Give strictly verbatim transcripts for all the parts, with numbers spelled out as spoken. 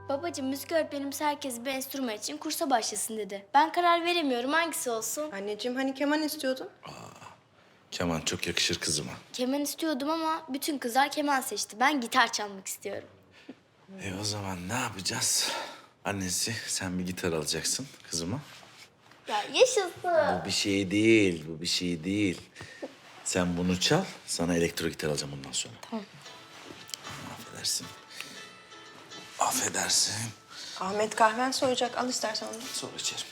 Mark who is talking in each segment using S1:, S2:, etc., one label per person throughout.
S1: Babacığım müzik öğretmenimiz herkes bir enstrüman için kursa başlasın dedi. Ben karar veremiyorum hangisi olsun.
S2: Anneciğim hani keman istiyordun?
S3: Keman çok yakışır kızıma.
S1: Keman istiyordum ama bütün kızlar keman seçti. Ben gitar çalmak istiyorum.
S3: E o zaman ne yapacağız? Annesi sen bir gitar alacaksın kızıma.
S1: Ya yaşasın.
S3: Bu bir şey değil, bu bir şey değil. Sen bunu çal, sana elektro gitar alacağım bundan sonra.
S1: Tamam.
S3: Affedersin. Affedersin.
S2: Ahmet kahven soyacak. Al istersen onu.
S3: Sonra içerim.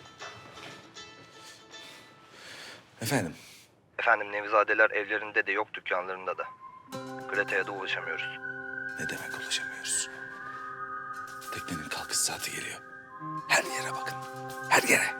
S3: Efendim?
S4: Efendim Nevizadeler evlerinde de yok, dükkanlarında da. Greta'ya da ulaşamıyoruz.
S3: Ne demek ulaşamıyoruz? Teknenin kalkış saati geliyor. Her yere bakın, her yere.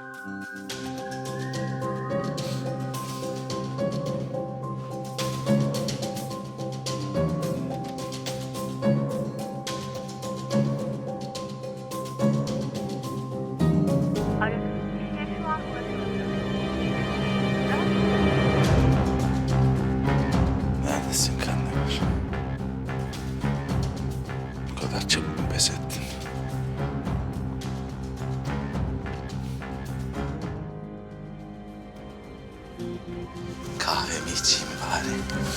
S3: Neredesin Kandemir? Bu kadar çabuk mu pes ettin? Kahvemi içeyim bari.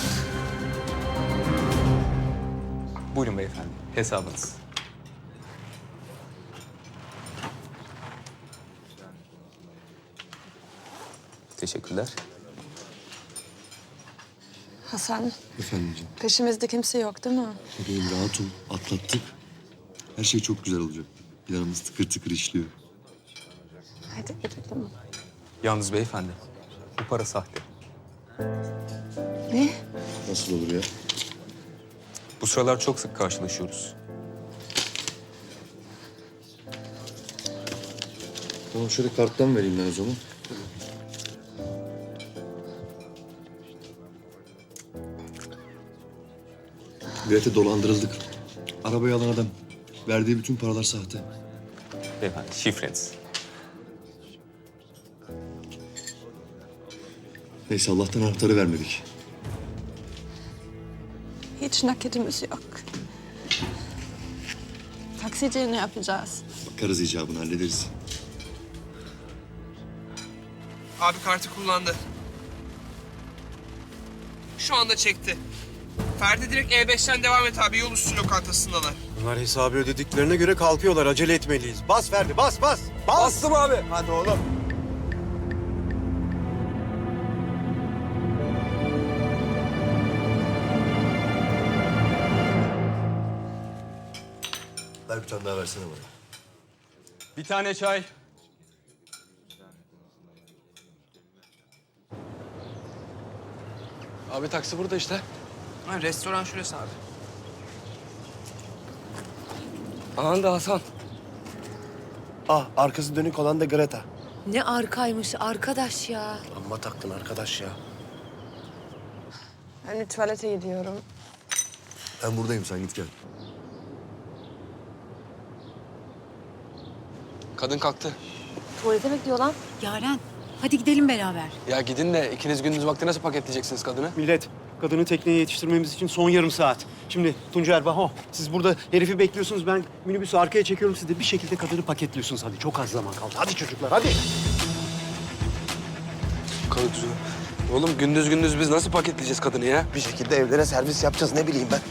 S5: Buyurun beyefendi, hesabınız. Teşekkürler.
S6: Hasan,
S7: Efendimciğim,
S6: peşimizde kimse yok değil mi?
S7: bebeğim rahat ol. Atlattık. Her şey çok güzel olacak. Planımız tıkır tıkır işliyor.
S6: Hadi gidelim.
S5: Yalnız beyefendi, bu para sahte.
S6: Ne?
S7: Nasıl olur ya?
S5: Bu sıralar çok sık karşılaşıyoruz.
S7: Tamam şöyle karttan vereyim ben o zaman. Grete dolandırıldık. Arabayı alan adam. Verdiği bütün paralar sahte.
S5: Beyefendi, şifreniz.
S7: Neyse Allah'tan anahtarı vermedik.
S6: Hiç nakitimiz yok. Taksiciye ne yapacağız?
S7: Bakarız icabını hallederiz.
S8: Abi kartı kullandı. Şu anda çekti. Ferdi direkt E beşten devam et abi. Yol üstü lokantasındalar.
S9: Bunlar hesabı ödediklerine göre kalkıyorlar. Acele etmeliyiz. Bas Ferdi, bas bas. Bas. Bastım abi. Hadi oğlum.
S7: Ver bir tane daha versene bana.
S5: Bir tane çay.
S9: Abi taksi burada işte.
S8: Ha, restoran şurası abi.
S9: Aman da Hasan. Ah, arkası dönük olan da Greta.
S10: Ne arkaymış arkadaş ya.
S9: Amma taktın arkadaş ya.
S6: Ben bir tuvalete gidiyorum.
S7: Ben buradayım, sen git gel.
S9: Kadın kalktı.
S10: Tuvalete bekliyor lan. Yaren hadi gidelim beraber.
S9: Ya gidin de ikiniz gündüz vakti nasıl paketleyeceksiniz kadını?
S11: Millet, kadını tekneye yetiştirmemiz için son yarım saat. Şimdi Tuncer, Baho, siz burada herifi bekliyorsunuz. Ben minibüsü arkaya çekiyorum. Siz de bir şekilde kadını paketliyorsunuz. Hadi çok az zaman kaldı. Hadi çocuklar, hadi.
S9: Kadın Oğlum gündüz gündüz biz nasıl paketleyeceğiz kadını ya?
S11: Bir şekilde evlere servis yapacağız. Ne bileyim ben.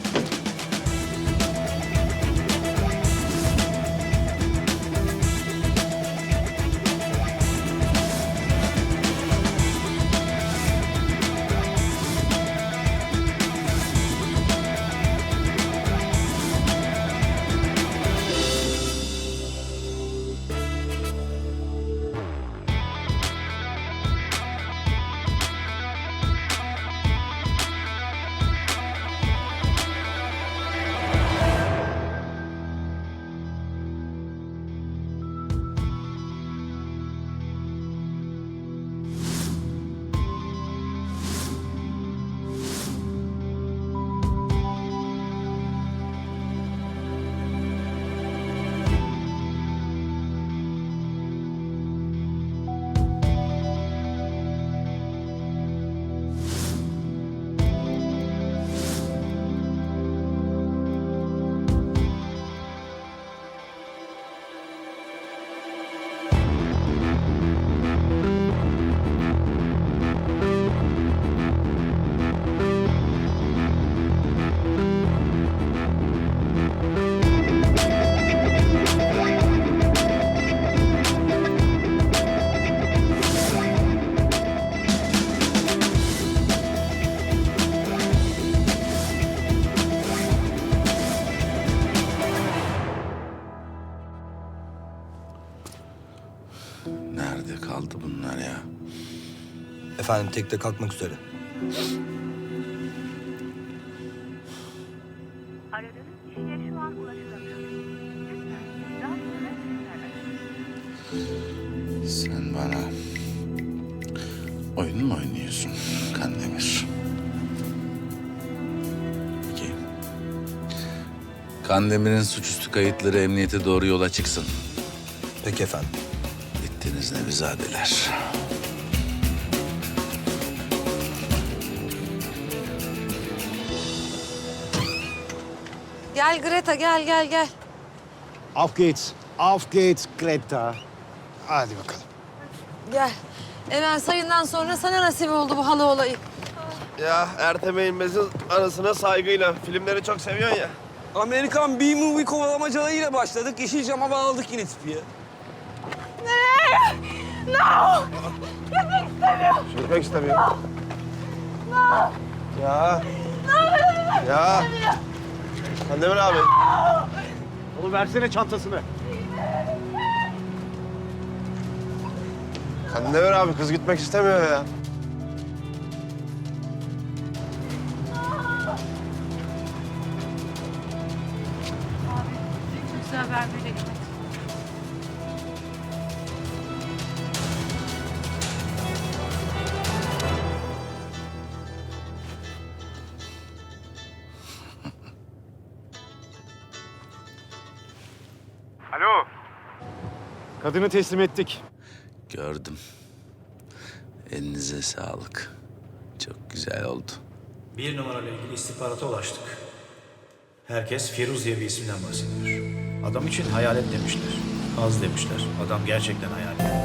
S3: Nerede kaldı bunlar ya?
S4: Efendim tekte kalkmak üzere.
S12: Aradığınız kişiye şu an ulaşılamıyor. Lütfen daha sonra tekrar arayın.
S3: Sen bana oyun mu oynuyorsun Kandemir? Peki. Kandemir'in suçüstü kayıtları emniyete doğru yola çıksın.
S4: Peki efendim.
S3: Bittiniz Nevizadeler.
S10: Gel Greta gel gel gel.
S11: Auf geht's. Auf geht's Greta. Hadi bakalım.
S10: Gel. Emel sayından sonra sana nasip oldu bu halı olayı.
S8: Ya Ertem Eğilmez'in anısına saygıyla. Filmleri çok seviyorsun ya. Amerikan B-movie kovalamacalarıyla başladık. Yeşilcam'a bağladık yine tipi ya. Nereye? No! Gitmek istemiyorum. Gitmek istemiyor. No! Ya. No! Ya. Kandemir abi.
S11: Oğlum versene çantasını.
S8: Kandemir abi kız gitmek istemiyor ya.
S12: Güzel haber verelim.
S11: Alo. Kadını teslim ettik.
S3: Gördüm. Elinize sağlık. Çok güzel oldu.
S13: Bir numarayla ilgili istihbarata ulaştık. Herkes Firuz diye bir isimden bahsediyor. Adam için hayalet demişler. Az demişler. Adam gerçekten hayalet.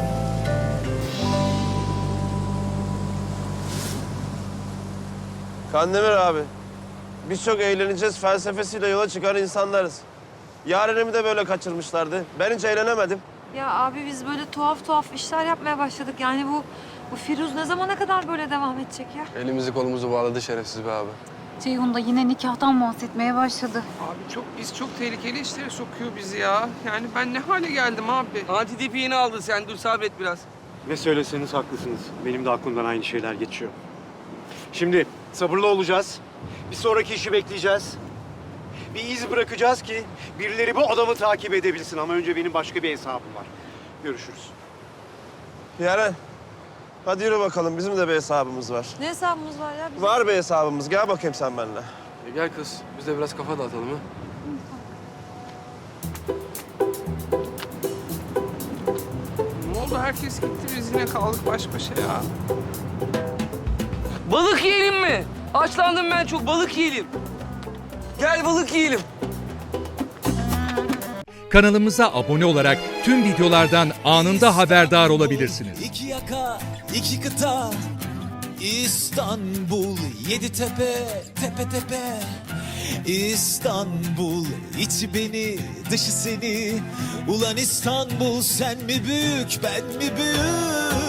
S8: Kandemir abi. Biz çok eğleneceğiz felsefesiyle yola çıkan insanlarız. Yarenimi de böyle kaçırmışlardı. Ben hiç eğlenemedim.
S10: Ya abi biz böyle tuhaf tuhaf işler yapmaya başladık. Yani bu bu Firuz ne zamana kadar böyle devam edecek ya?
S9: Elimizi kolumuzu bağladı şerefsiz be abi.
S10: Ceyhun da yine nikahtan bahsetmeye başladı.
S8: Abi çok biz çok tehlikeli işlere sokuyor bizi ya. Yani ben ne hale geldim abi. Antidepiğini aldın sen dur sabret biraz.
S11: Ne söyleseniz haklısınız. Benim de aklımdan aynı şeyler geçiyor. Şimdi sabırlı olacağız. Bir sonraki işi bekleyeceğiz. Bir iz bırakacağız ki birileri bu adamı takip edebilsin. Ama önce benim başka bir hesabım var. Görüşürüz.
S8: Yaren hadi yürü bakalım bizim de bir hesabımız var.
S10: Ne hesabımız var ya bizim?
S8: Var bir hesabımız gel bakayım sen benimle.
S9: E gel kız, biz de biraz kafa dağıtalım ha.
S8: Ne oldu herkes gitti biz yine kaldık baş başa ya. Balık yiyelim mi? Açlandım ben çok balık yiyelim. Gel balık yiyelim.
S14: Kanalımıza abone olarak tüm videolardan anında haberdar olabilirsiniz.
S13: İki yaka, iki kıta, İstanbul, yedi tepe, tepe tepe. İstanbul, içi beni, dışı seni. Ulan İstanbul, sen mi büyük, ben mi büyük?